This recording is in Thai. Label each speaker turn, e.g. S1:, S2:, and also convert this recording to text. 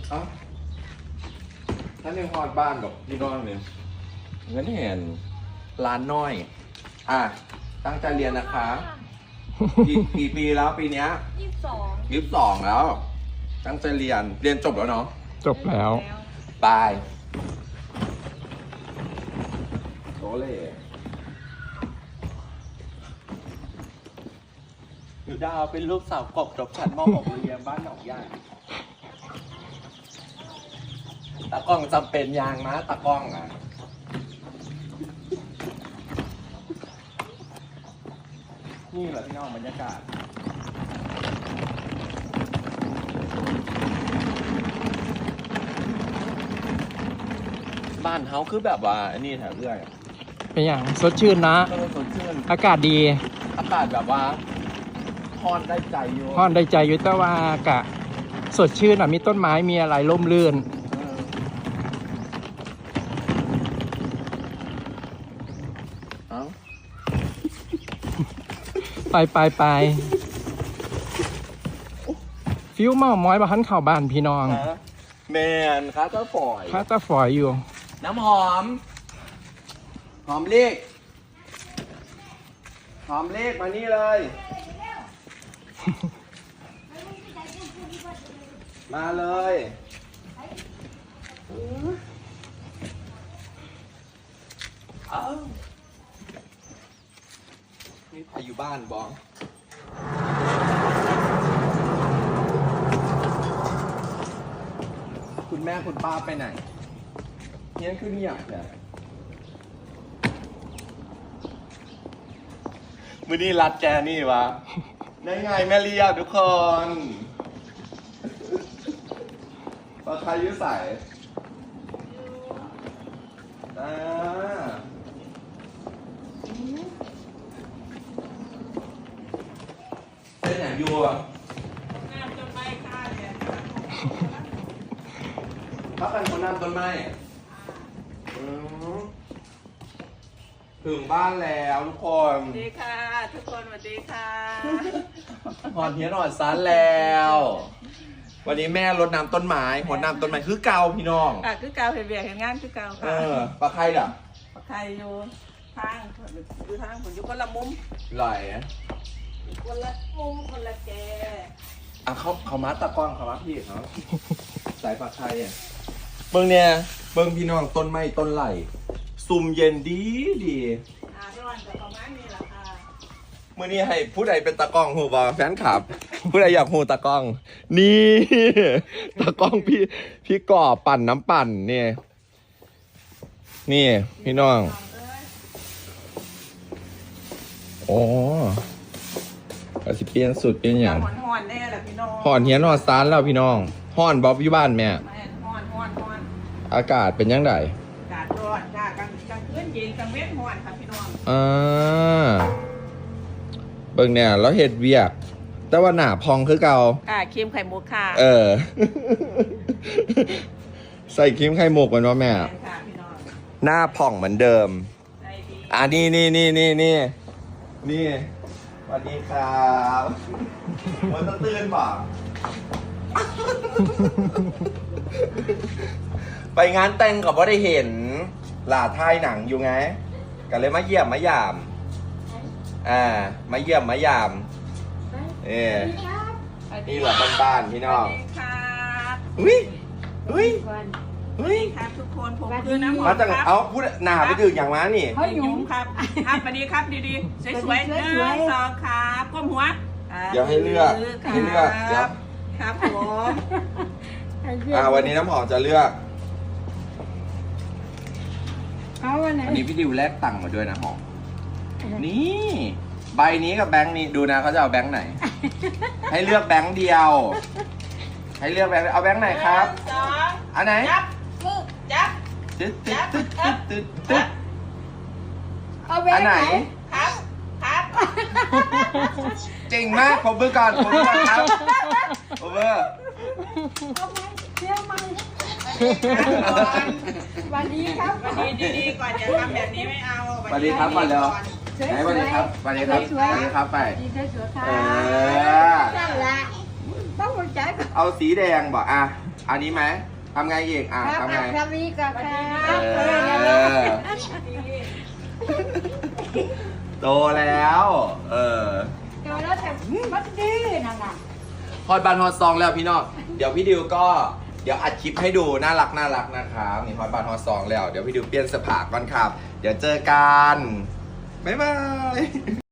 S1: เอ้าท่านยังฮอดบ้านกับพี่น้องเนี่ยเงินเห็นร้านน้อยตั้งใจเรียนนะคะกี่ปีแล้วปีเนี้ย22แล้วตั้งใจเรียนจบแล้วเนาะ
S2: จบแล้ว
S1: บายโตเล่อยู่ดาวเป็นลูกสาวกบจบชั้นม.6 เรียนบ้านหนองย่างตากล้องจำเป็นยางนะตากล้องนี่แหละพี่น้องบรรยากาศบ้านเฮาคือแบบว่าอันนี้แถวเรื่อย
S2: เป็นอย่างสดชื่นนะ
S1: สดชื่น
S2: อากาศดี
S1: อากาศแบบว่าฮอนได้ใจอยู่
S2: แต่ว่ากะสดชื่นมีต้นไม้มีอะไรร่มรื่นไปฟิวเมาม้อยมาหันข่าวบ้านพี่น้อง
S1: แมนคาตา
S2: ฝอยอยู่
S1: น้ำหอมเลขมานี่เลยมาเลยนี่ใครอยู่บ้านบ้องคุณแม่คุณป้าไปไหนเนี่ยคือเนี่ยมือนี่รัดแกนี่วะได้ไงแม่เรียบทุกคนปลาไทยยุ่ใส่เป็นอย่างยัวน้ำต้นไม้ข้าเนี่ยเขาเป็นคนน้ำต้นไม้ถึงบ้านแล้วทุกคน
S3: สวัสดีค่ะทุกคนสวัสดีค่ะ
S1: หอดเทียนหอดซันแล้ววันนี้แม่รดน้ำต้นไม้หัวน้ำต้นไม้คือเกาพี่น้อง
S3: คือเกาเห็นเบียร์เห็นงานคือเกาค่ะ
S1: ปลาไข่ด่ะ
S3: ปลาไข่อยู่ทางผมอยู่คนละมุม
S1: ไหล
S3: คนละมุมคนละแก
S1: เขามัดตะกร้องเขามัดพี่เขาสายปลาไข่เบิ้งเนี่ยเบิ้งพี่น้องต้นไม้ต้นไหลซุ่มเย็นดี
S3: ร้อนแต่ประมาณนี้แหละค่ะ
S1: มื่อนี้ให้ผู้ใดเป็นตากล้องหูบอแฟนคลับผู้ใดอยากหูตากล้องนี่ตากล้องพี่ก่อปั่นน้ำปั่นนี่พี่น้องโอ้ก็สิเปลี่ยนสุดเป็นอย่าง
S3: ห่อนแน่แหละพี่น้อง
S1: ห่อนเฮียนห่อนซานแล้วพี่น้องห่อนบ๊อบอยู่บ้านแม่
S3: ห่อน
S1: อากาศเป็นยังไง
S3: อากาศร้อนจ้ากลางคืนเย็นกลางเว้นห่อนค่ะพี่น้อง
S1: เบิ่งเนี่ยแล้วเห็ดเวียกแต่ว่าหน้าพองคือเก่า
S3: ครีมไข่มุกค่ะ
S1: ใส่ครีมไข่มุกกันวะแม่หน้าผ่องเหมือนเดิมนี่สวัสดีครับวันตื่นป่ะไปงานแต่งกับว่าได้เห็นหลาท้ายหนังอยู่ไงกันเลยมาเยี่ยมมายามมาเยี่ยมมายามนี่แหละบ้านพี่น้องอุ้ย
S3: ครับทุกคนผมคือน้ำหอม
S1: มาจากเอาพูดหนาไปดื่มอย่างม้านี่
S3: ยุ่งครับสวัสดีครับดีๆสวยๆ2ครับก้มหัว
S1: เดี๋ยวให้เลือก
S3: ครับผม
S1: วันนี้น้ำหอมจะเลือกวันนี้พี่ดิวแลกตังค์มาด้วยนะหอมนี่ใบนี้กับแบงค์นี้ดูนะเขาจะเอาแบงค์ไหนให้เลือกแบงค์เดียวเอาแบงค์ไหนครับอันไหน
S3: จับ
S1: ตึ๊ดอันไหน
S3: ครับ
S1: เก่งมากผมเบอร์ก่อนครับผมเบอร์
S3: วันนี้ครับวันนี้ดีๆก่อนอย่าทำแบบนี้ไม่เอา
S1: สวัสดีครับก่อนเร็วไหนสวัสดีครับไปดีครับไป
S3: นั่นแหละต้องหัวใจ
S1: เอาสีแดงบอกอันนี้ไหมทำไงอีกอ่ะทำไง
S4: ครับนี้ก็ครับ
S1: โตแล้ว
S4: เจอแล้วแต่มันดื้อนั่นน่ะ
S1: ฮอตบานฮอตซองแล้วพี่น้องเดี๋ยวพี่ดิวก็เดี๋ยวอัดคลิปให้ดูน่ารักนะครับมีฮอตบานฮอตซองแล้วเดี๋ยวพี่ดิวเปลี่ยนเสื้อผ้าก่อนครับ เดี๋ยวเจอกันบ๊ายบาย